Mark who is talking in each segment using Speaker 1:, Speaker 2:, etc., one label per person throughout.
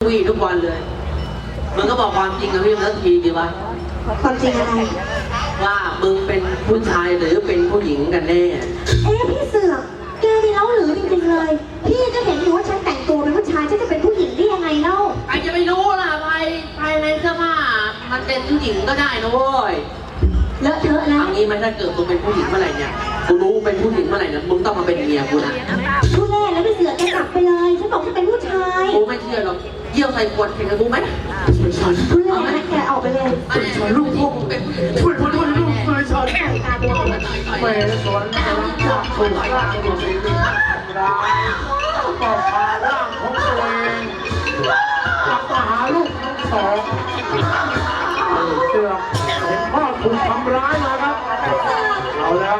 Speaker 1: วี่ทุกวันเลยมึงก็บอกความจริงกับพี่สักทีดีวะ
Speaker 2: ความจริงอะไร
Speaker 1: ว่ามึงเป็นผู้ชายหรือเป็นผู้หญิงกันแน่
Speaker 2: พี่เสือกแกนี่เล่าหรือจริงๆเลยพี่ก็เห็นอยู่ว่าฉันแต่งตัวเป็นผู้ชายฉันจะเป็นผู้หญิงได้ยังไงเล่า
Speaker 1: ใครจะไปรู้ล่ะภายในเสื้อผ้ามันเป็นผู้หญิงก็ได้นะเว้ย
Speaker 2: เลอะเทอะนะ
Speaker 1: เอางี้ไหมถ้าเกิดมึงเป็นผู้หญิงเมื่อไหร่เนี่ยกูรู้เป็นผู้หญิงเมื่อไหร่เนี่ยมึงต้องมาเป็นเมียกูนะ
Speaker 2: พูดแน่แล้วพี่เสือกแกกลับไปเลยฉันบอกฉันเป็นผู้ชาย
Speaker 1: กูไม่เชื่อหรอกเยี่ยวใส่ขวดแข่งกับกูไหม
Speaker 2: พูดแน่นะแกออกไปเลย
Speaker 1: ฉันลูกพ่อมึงเป็นผู้หญิง
Speaker 3: ช่วยคนด้วยลูกเลยฉัน
Speaker 2: ตาบวม
Speaker 3: แม่สวนกำลังจับถูกร่างอยู่ในร้ายก็พาร่างของตัวเองกลับมาหาลูกทั้งสองเสือกเห็นพ่อถูกทำร้ายมาครับเอาแล้ว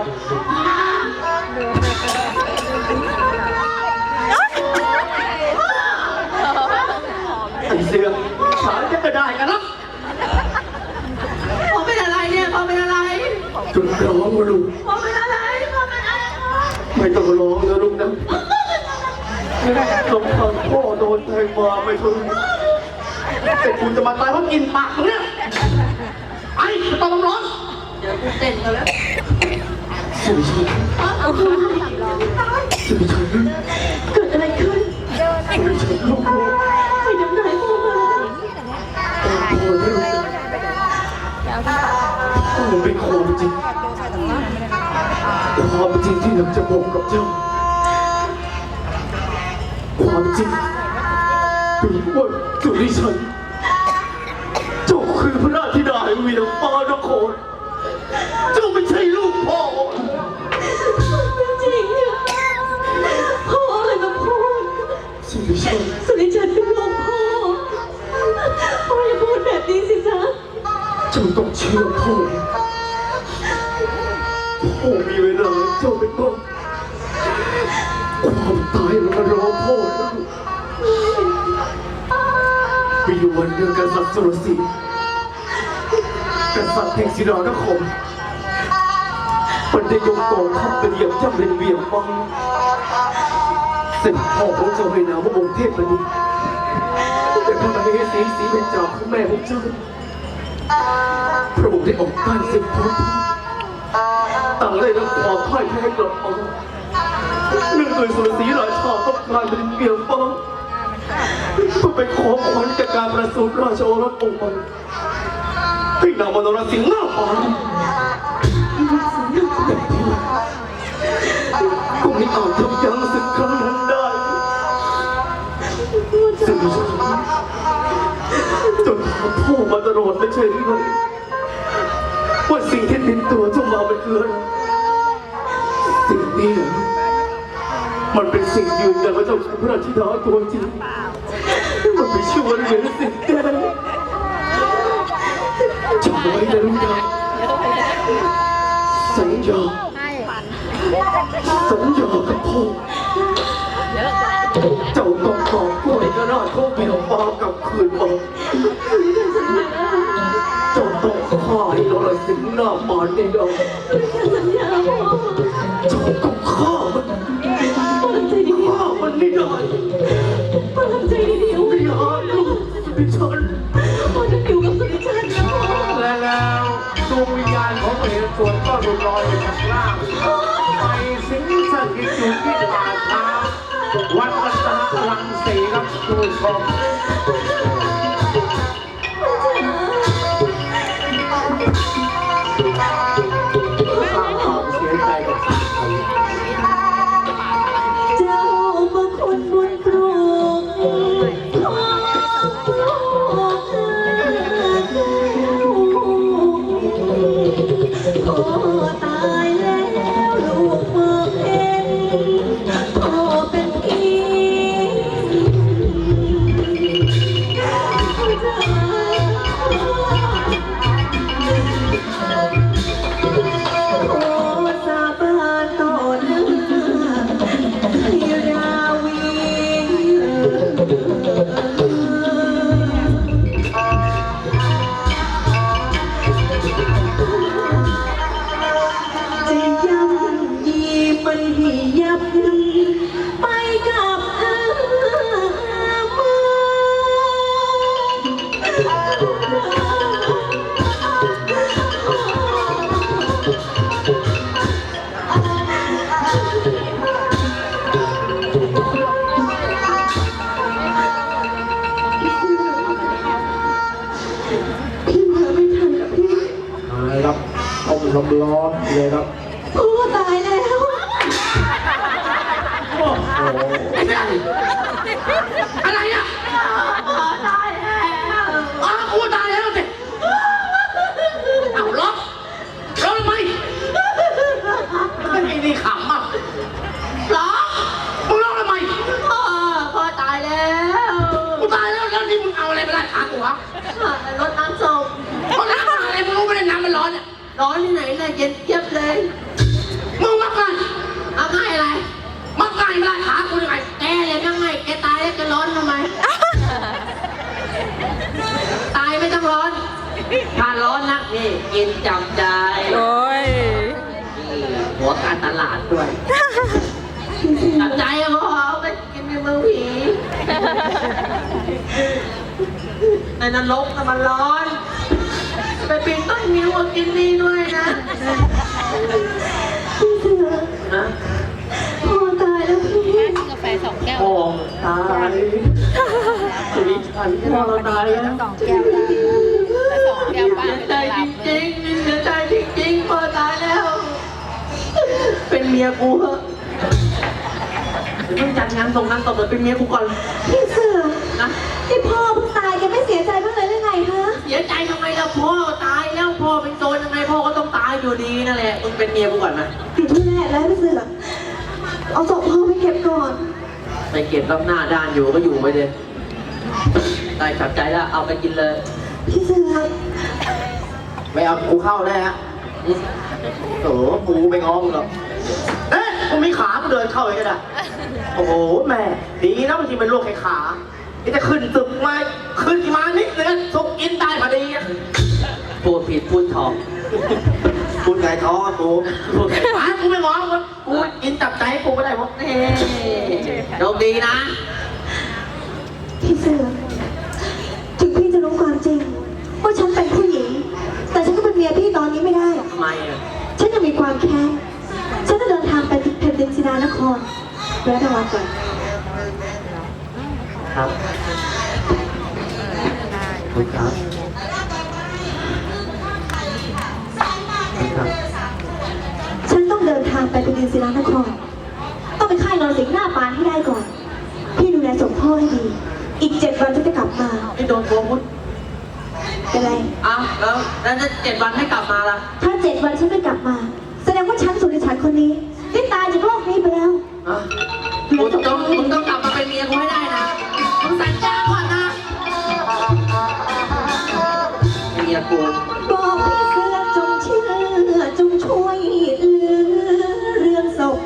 Speaker 3: ไอ้เสือกสารจะกระได้กันแล้ว
Speaker 1: พ่อเป็นอะไรเนี่ยพ่อเป็นอะไร
Speaker 3: จุดร้องมาลูก
Speaker 1: พ่อเป็นอะไรพ่อเป็นอะไร
Speaker 3: ไม่ต้องร้องนะลูกนะสมภารพ่อโดนแทงมาไม่ถึงแต่คุณจะมาตายเพราะกินปากเนี่ยไอ้ไม่ต้องร้อง
Speaker 1: เดี๋ยวกูเต้นกันแล้ว
Speaker 3: สุริชัยสุริชัย
Speaker 2: เกิดอะไรขึ้น
Speaker 3: สุริชัยลูกพ่อ
Speaker 2: ไปน้ำลายพ่อมา
Speaker 3: โอ้ยมันเป็นความจริงความจริงที่อยากจะบอกกับเจ้าความจริงเป็นว่าสุริชัยเจ้าคือพระราชธิดาแห่งวีรฟ้านครเจ้าไม่ใช่ลูกพ่อ
Speaker 2: จริงเนี่ยพ่ออะไรมาพูด
Speaker 3: สุริชัย
Speaker 2: สุริชันเป็นลูกพ่อพ่ออย่าพูดแบบนี้สิจ๊ะ
Speaker 3: เจ้าต้องเชื่อพ่อพ่อมีเวลาเจ้าเป็นบ้างความตายมันมารอพ่อแล้วมีอยู่วันหนึ่งกษัตริย์สุรศรีกษัตริย์แห่งศิรานครมันได้ยกกองทัพไปเหยียบย่ำเป็นเวียงวังเสร็จพ่อของเจ้าให้นามว่าองค์เทพมณีแต่พระมเหสีศรีเบญจาของแม่ของเจ้าพระองค์ได้ออกต้านศึกพ้นต่างได้รับความพ่ายแพ้กลับมาเนื่องโดยสุรศรีราชาต้องการเป็นเวียงวังเพื่อไปขอขวัญจากการประสูติราชโอรสองค์ใหม่ให้นางมโนรสิงห์หน้าฟ้าก็ไม่อาจทำยั้งศึกครั้งนั้นได้ซึ่งจนถามพ่อมาตลอดไม่ใช่หรือไงว่าสิ่งที่ติดตัวเจ้ามาเป็นคืออะไรสิ่งนี้มันเป็นสิ่งยืนยันว่าเจ้าคือพระราชธิดาตัวจริงมันไม่ชื่อว่าเหรียญสิทธิ์แกจำไว้นะลูกนะสัญญากับพ่อเจ้าต้องตอบกล้วยกระนาดเขาเบี่ยงฟ้ากลับคืนมาเจ้าต้องฆ่าให้นรสิงห์หน้าหมานในดง
Speaker 2: สัญญาพ่อ
Speaker 3: เจ้าต้องฆ่ามัน
Speaker 2: พ่อทำใจดี
Speaker 3: ฆ่ามันไม่ได้
Speaker 2: ๆพ่อทำใจดีๆเอาไว้
Speaker 3: อย่าลูกดิฉัน
Speaker 2: พ่อจะอยู่กับสุริชันนะพ่อ
Speaker 3: และแล้วดวงวิญญาณของเหตุส่วนก็หลุดลอยจากล่างไปสิงสถิตอยู่ที่ป่าช้าวัดรัตนรังสีครับคุณผู้ชมเสียใจกับสัตว์
Speaker 2: เจ้ามาคนบุญปลูกพ่อตายแล้วลูกเมื่อเห็นพ่อเป็นพี่
Speaker 3: ร้อนเลยครับ
Speaker 2: โอ้ตายแล้ว
Speaker 3: โอ้โห
Speaker 1: อะไรอ่ะ
Speaker 2: ตายแล้ว
Speaker 1: อ้าวกูตายแล้วสิเอาล็อกทำไมไอ้นี่ขำอ่ะล็อกมึงล็อกทำไมพ่อตายแล้วกูตายแล้วแล้วนี่มึงเอาอะไรไปไล่ขากูวะรถน้ำส้มรถน้ำอะไรมึงรู้ไหมน้ำมันร้อนเนี่ยร้อนที่ไหนเลยเย็นเจี๊ยบเลยมึงมักง่ายเอาง่ายอะไรมักง่ายไม่ไล่ขากูยังไงแกเลยมักง่ายแกตายแล้วจะร้อนทำไม ตายไม่ต้องร้อนถ้าร้อนนักนี่กินจับใจ
Speaker 4: โอ้ย
Speaker 1: หัวการตลาดด้วยจับใจอะพ่อเอาไปกินในเมืองผีในนรกน่ะมันร้อน ไปปีนต้นนิ้วมากินนี่ด้วยนะ
Speaker 2: พี่เสือ
Speaker 1: นะ
Speaker 2: พ่อตายแล้วพี่
Speaker 4: กาแฟ2 แก้ว
Speaker 3: พ่อตายชีวิตฉันพ่อตายแล้ว
Speaker 4: 2 แก้วได้2 แก้วป้า
Speaker 1: เสีย
Speaker 4: ไม่
Speaker 1: ใจ
Speaker 4: ได้
Speaker 1: จ
Speaker 4: รับ
Speaker 1: ริงๆเสียใจจริงๆพ่อตายแล้ว เป็นเมียกูเหอะเดี๋ยวต้องจัดงานส่งงานตบเลยเป็นเมียกูก่อน
Speaker 2: พี่เสือ
Speaker 1: นะ
Speaker 2: ที่พ่อเพิ่งตายแกไม่เสียใจบ้างเลยหรือไงฮะ
Speaker 1: เสียใจทำไมล่ะพ่อตายแล้วพ่อเป็นโจรยังไงพ่อก็ต้องตายอยู่ดีนั่นแหละมึงเป็นเมียกูก่อนนะ
Speaker 2: ผิดที่แรกแล้วพี่เสือเอาศพพ่อไปเก็บก่อน
Speaker 1: ไปเก็บรับหน้าด้านอยู่ก็อยู่ไปเลยได้ขับใจแล้วเอาไปกินเลย
Speaker 2: พี่เสือ
Speaker 3: ไม่เอากูเข้าได้ฮะโอ้โหกูไปง้อมึงหรอกเอ๊ะกูมีขากูเดินเข้าไปก็ได้โอ้โหแม่ดีนะบางทีเป็นโรคแค่ขานี่จะขึ้นตึกมาขึ้นมานิดนึงทุกกินได้พอดีอะ
Speaker 1: พูดผิดพูดถอก
Speaker 3: พูดไงท้อกูพูดไงกูไม่ง้อมึงกูกินจับใจให้กูก็ได้เพราะ
Speaker 1: เฮ้โชคดีนะ
Speaker 2: พี่เสือถึงพี่จะรู้ความจริงว่าฉันเป็นผู้หญิง แต่ฉันก็เป็นเมียพี่ตอนนี้ไม่ได้
Speaker 1: ทำไมอ่ะ
Speaker 2: ฉันยังมีความแค้น ฉันจะเดินทางไปแผ่นดินศิลานครแวะทวัดก่อน
Speaker 3: ครับคุณครับครับ
Speaker 2: ฉันต้องเดินทางไปแผ่นดินศิลานคร ต้องไปค่ายนรสิงห์หน้าปานให้ได้ก่อน พี่ดูแลส่งพ่อให้ดี อีก 7 วันฉันจะกลับมา
Speaker 1: ไม่โดนตัวพุทธ
Speaker 2: เป็นไร
Speaker 1: อ้าวแล้วจะ7 วันไม่กลับมาล่ะ
Speaker 2: ถ้า 7 วันฉันไม่กลับมา แสดงว่าฉันสุริฉันคนนี้ได้ตายจากโลกนี้ไปแล้ว
Speaker 1: อ่ะมึงต้องกลับมาเป็นเมียกูให้ได้นะมึงสัญญาก่อนนะเมียกู
Speaker 2: บอกพี่เสือจงเชื่อจงช่วยเหลือเรื่องศพ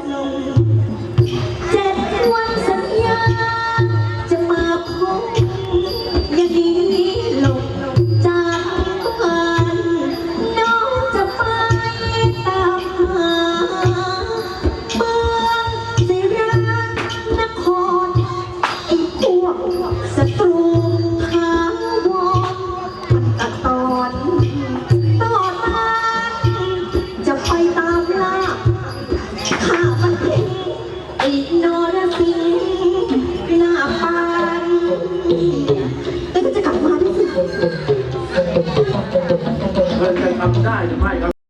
Speaker 2: 7 วันสัญญาจะมาพบอย่าหนีหลบจากบ้านน้องจะไปตามหาเมืองศิรานครไอ้พวกศัตรูถาวรมันตัดตอนจะไปตามล่าข้ามันทิ้งไอ้นรสิงห์หน้าปานแล้วก็จะกลับมาด้วยสิ
Speaker 3: เธอจะทำได้หรือไม่ครับ